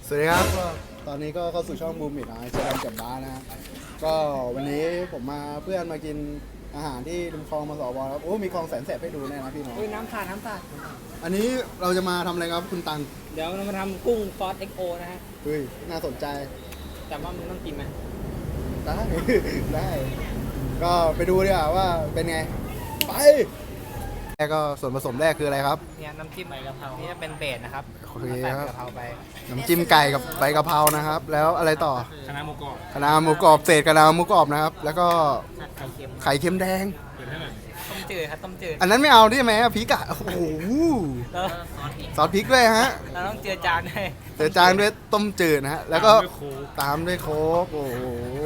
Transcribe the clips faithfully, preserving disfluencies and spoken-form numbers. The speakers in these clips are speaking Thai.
สวัสดีครับก็ตอนนี้ก็เข้าสู่ช่องบูมมิดนะเจอกันกับบ้านะฮะก็วันนี้ผมมาเพื่อนมากินอาหารที่ริมคลองมาสอบอครับโอ้มีคลองแสนแสบให้ดูแน่นะพี่น้องอุ้ยน้ำสาดน้ำสาดอันนี้เราจะมาทำอะไรครับคุณตังเดี๋ยวเรามาทำกุ้งซอส เอ็กซ์ โอ นะฮะเฮ้ยน่าสนใจแต่ว่ามันต้องกินไหมได้ ได้ก็ไปดูดีกว่าว่าเป็นไงไปแรกก็ส่วนผสมแรกคืออะไรครับเนี่ยน้ำจิ้มใบกะเพรานี่จะเป็นเบสนะครับโอเคใส่ครับกะเพราไปน้ำจิ้มไก่กับใบกะเพรานะครับ แล้วอะไรต่อคณะหมูกรอบคะน้าหมูกรอบเศษคะน้าหมูกรอบนะครับ แล้วก็ไข่เค็มไข่เค็มแดงต้มจืดครับต้มจืดอันนั้นไม่เอาได้ไหมอะพริกอะโอ้โหแล้วซอสพริกด้วยฮะเราต้องเจือจานด้วยเจอจานด้วยต้มจืดนะฮะ แล้วก็ตามด้วยโค้กโอ้โห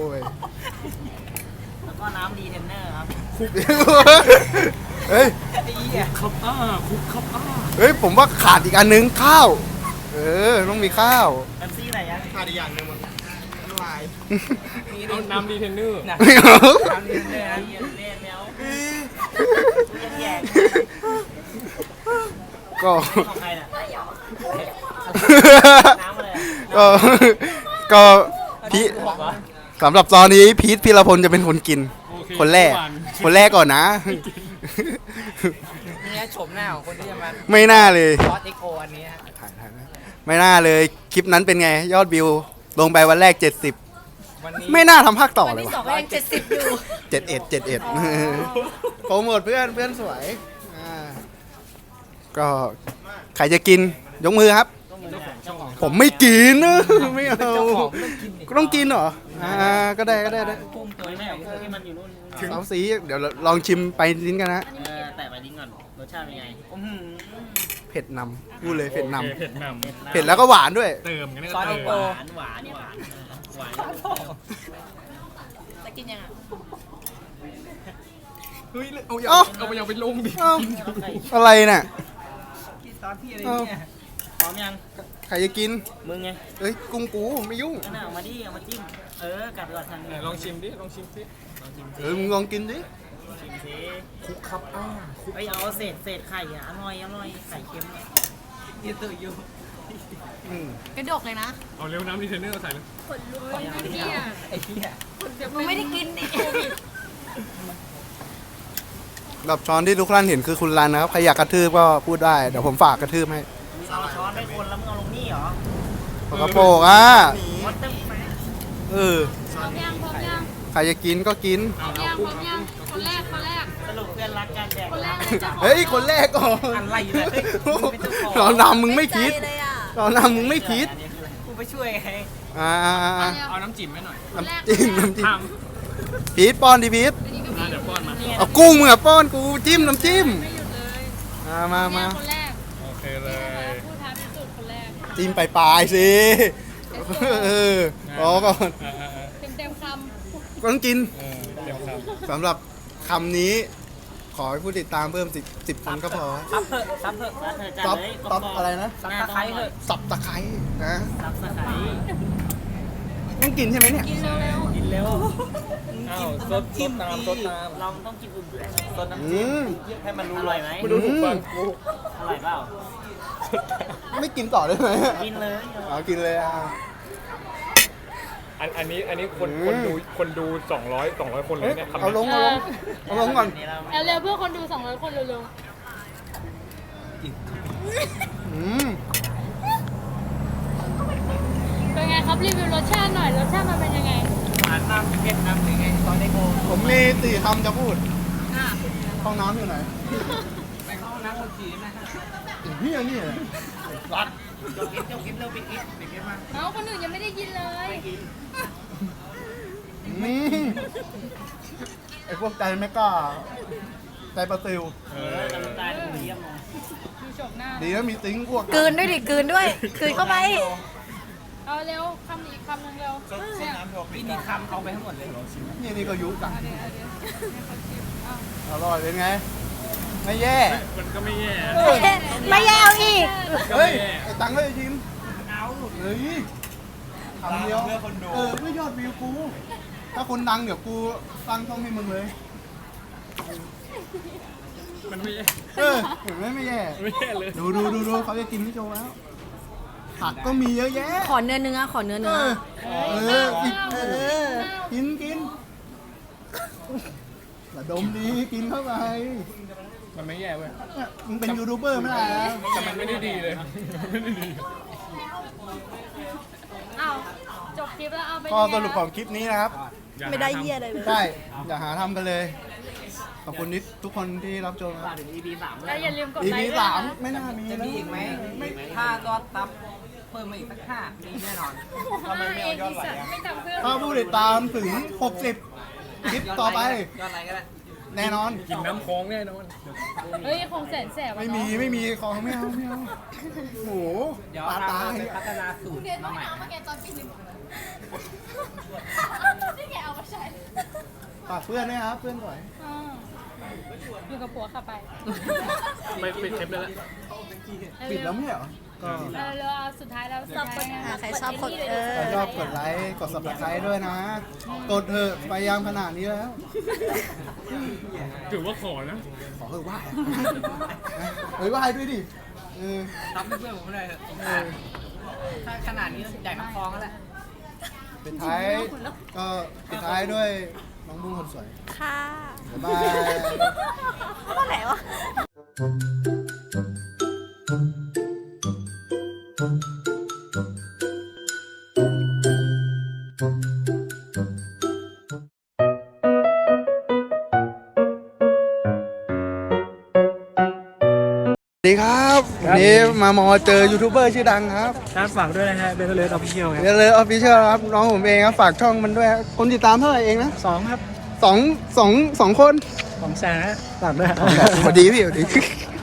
แล้วก็น้ำดีเทนเนอร์ครับเฮ้ยดีอ่ะครับอ้าคุกครับอ้าเฮ้ย ผมว่าขาดอีกอันนึงข้าว เออ ต้องมีข้าวแป๊บซี่ไหนยังขาดอีกอย่างหนึงมันลายมีเอาน้ำดีเทนเนอร์นะไม่เอาน้ำดีเทนเนอร์นะเย็นเล่นแล้วแย่ก็ของใครน่ะน้ำอะไรก็ ก็พีสำหรับตอนนี้พีทพีรพลจะเป็นคนกินโอเคคนแรกเมื่อวานคนแรกก่อนนะนี่โฉมหน้าของคนที่จะมาไม่น่าเลยซอส เอ็กซ์ โอ อันนี้ฮะไม่น่าเลย คลิปนั้นเป็นไง ยอดวิว ลงไปวันแรก เจ็ดสิบวันนี้ไม่น่าทำภาคต่อวันเลยที่ว่ะสองก็ยังเจ็ดสิบอยู่เจ็ดเอ็ดเจ็ดเอ็ดโปรโมทเพื่อนเพื่อนสวยอ่าก็ใครจะกินยกมือครับเจ้าของผมไม่กินนะไม่เอาเจ้าของไม่ต้องกินดิก็ต้องกินเหรออ่าก็ได้ก็ได้ได้กุ้งตัวแม่ที่มันอยู่นู่นสาวสีเดี๋ยวลองชิมไปลิ้นกันนะเออแต่ไปดิ้งก่อนรสชาติเป็นไงอื้อหือเผ็ดนำพูดเลยเผ็ดนโอคเผ็ดนำเผ็ดแล้วก็หวานด้วยำเติมกันนี่ซอก็สเติเอ็กมโกหวานหวานหวานหวานหวานจะกินยังไงเฮ้ยเอาเอ้าเอาไปเอาไปลงดิเอ้าอะไรน่ะกินซอสที่อะไรเนี่ยพร้อมยังใครจะกินมึงไงเอ้ยกุ้งกูไม่ยุ่งนั่นน่ะเอามาดิเอามาจิ้มเออกลับไปก่อนทางไหนนี้ลองชิมดิลองชิมสิลองชิมเออมึงลองกินดิชิมสิคุกครับอ้าไอยเอาเศษเศษไข่อ่ะอร่อยอร่อยไข่เค็มเนี่ยยืดตัวอยู่อืมกระดกเลยนะเอาเร็วน้ำดีเทนเนอร์ใส่เลยไอ้เหี้ยไอ้เหี้ยมึงไม่ได้กินนี่แบบช้อนที่ทุกท่านเห็นคือคุณรันนะครับใครอยากกระทืบก็พูดได้เดี๋ยวผมฝากกระทืบให้เอาช้อนไปคนแล้วมึงเอาลงนี่เหรอปากกระโปรงอ่ะวัดตึ้งไปเออพร้อมยังพร้อมยังใครจะกินก็กินพร้อมยังพร้อมยังคนแรกคนแรกสรุปเพื่อนรักกันแดกคนแรรักกเลยจ้ะเฮ้ยคนแรกก่อนอะไรเนี่ยเฮ้ยมึงเป็นเจ้าของเรานำมึงไม่คิดใจเลยอ่ะเรานำมึงไม่คิดกูไปช่วยไงอ่าเอาน้ำจิ้มให้หน่อยน้ำจิ้มน้ำจิ้ทมพีทป้อนดิพีทำอ่ะเดี๋ยวป้อนมาเอากุ้งมึงอะป้อนกูจิ้มน้ำจิ้มไม่หยุดเลยมามามาคนแรกโอเคเลยพูดท้าพิสูจน์คนแรกจิ้มไปปลายๆสิเออรอก่อนอ่าอ่าอ่าเต็มเต็มคก็ต้องกินเออเดี๋ยวครับสำหรับคำนี้ ขอให้ผู้ติดตามเพิ่มสิบสิบคนก็พอซับเถอะซับเถอะซับเถอะจัดซับเลยซับอะไรนะซับตะไคร้เถอะสับตะไคร้นะซับตะไคร้ต้องกินใช่ไหมเนี่ยำกินเร็วกินเร็วอ้าวซดซดน้ำซดน้ำเราต้องกินอุ่นๆซดน้ำอืจิ้มมให้มันรู้อร่อยไหมไม่ดูถูกฟังกูอร่อยเปล่าไม่กินต่อได้ไหมกินเลยเอากินเลยอ่ะอันอันนี้อันนี้คนอืมคนดูคนดูสองร้อยสองร้อยคนเลยเฮ้ยเนี่ยคำเอาลนี้งเอาลงเอาลงก่อนนี่เราๆเอาเร็วเพื่อคนดูสองร้อยคนเร็วอืมๆเป็นไงครับรีวิวรสชาติหน่อยรสชาติมันเป็นยังไงหวานน้ำเผ็ดน้ำหรือไงซอสเด็กโกผมมีสี่คำจะพูดอ่ะห้องน้ำอยู่ไหนไปเข้าห้องน้ำคนขี่นะฮะไอ้เฮียนี่รัดเจ้ากินเจ้ากินเร็วไปกินไปกินมาเอ้าคนอื่นยังไม่ได้กินเลยกินอืมไอ้พวกใจไม่กล้าใจประติวเอเอออกำลังกายดูเยี่ยมเลยดูโฉมหน้าดีนะมีติ้งพวกกลืนด้วยดิกลืนด้วยกลืนเข้าไปเอาเร็วคำอีกคำหนึ่งเร็วเนี่ยกินอีกคำเอาไปทั้งหมดเลยนี่นี่ก็ยุกันเอาเดี๋ยวเอาเดี๋ยวให้เขาชิมเอาอร่อยเป็นไง ไม่แย่มันก็ไม่แย่ไม่แย่เอาอีกเฮ้ย ไอ้ตังค์เลยชิมเอาเฮ้ยคำเดียวเพื่อคนดูเออเพื่อยอดวิวกู ถ้าคนดังเดี๋ยวกูตั้งช่องให้มึงเลยมันไม่แย่เออเห็นไหมไม่แย่ไม่แย่เลยดูดูดูดูเขาจะกินพี่โจแล้วผักก็มีเยอะแยะขอเนื้อเนื้อขอเนื้อเอเนื้ออเออกินเออกินกินระดมดีกินเข้าไปมันไม่แย่เว้ยเนี่ยมึงเป็นยูทูบเบอร์ไม่ได้นะแต่มันไม่ได้ดีเลยไม่ได้ดีเอาจบคลิปแล้วเอาไปก็สรุปของคลิปนี้นะครับไม่ได้เยี่ยอะไรเลยใช่อย่าหาทำกันเลย ขอบคุณนิดทุกคนที่รับชมครับถึง อี พี สามแล้วอย่าลืมกดอีไลพีค์ด้วยสามนะไม่น่ามีแล้วไม่ถ้าก็ตับเพิ่มมาอีกสักห้ามีแน่นอนทำไมไม่เอายอดไลค์ไม่จำเพื่อนถ้าผู้ติดตามถึงหกสิบคลิปต่อไปยอดไลค์ก็ได้แน่นอนกินน้ำคลองแน่นอนเฮ้ยคงแสนแสบอะไม่เนาะมีไม่มีของไม่เอาไม่เอาโหเดี๋ยวปลาเราตายไปพัฒนาสูตรมาใหม่ฝากเพื่อนด้วยครับเพื่อนก่อนอ่าอยู่กับผัวขับไปไปปิดเทปเลยละปิดแล้วไม่ใช่เหรอก็เออแล้วเอาสุดท้ายแล้วสุดท้ายไงอ่ะใครชอบกดเออใครชอบกดไลค์กด ซับสไครบ์ด้วยนะ กดเถอะไปยังขนาดนี้แล้วถือว่าขอนะขอเถอะไหว้อะเฮ้ยไหว้ด้วยดิเออตับเพื่อนผมเลยเถอะสงสารถ้าขนาดนี้ใหญ่น้ำคลองแล้วแหละปิดท้ายก็ปิดท้ายด้วยน้องบุ้งคนสวยค่ะบ๊ายบายเมื่อไหร่วะสวัสดีครับวันนี้มามอเจอยูทูบเบอร์ชื่อดังครับครับฝากด้วยนะฮะเบลเลอร์ออฟฟิเชียลครับเดี๋ยวเลยออฟฟิเชียลครับน้องผมเองครับฝากช่องมันด้วยครับคนติดตามเท่าไหร่เองนะสองครับสองสองสองคนสองแสนนะฝากด้วยสวัสดีพี่สวัสดี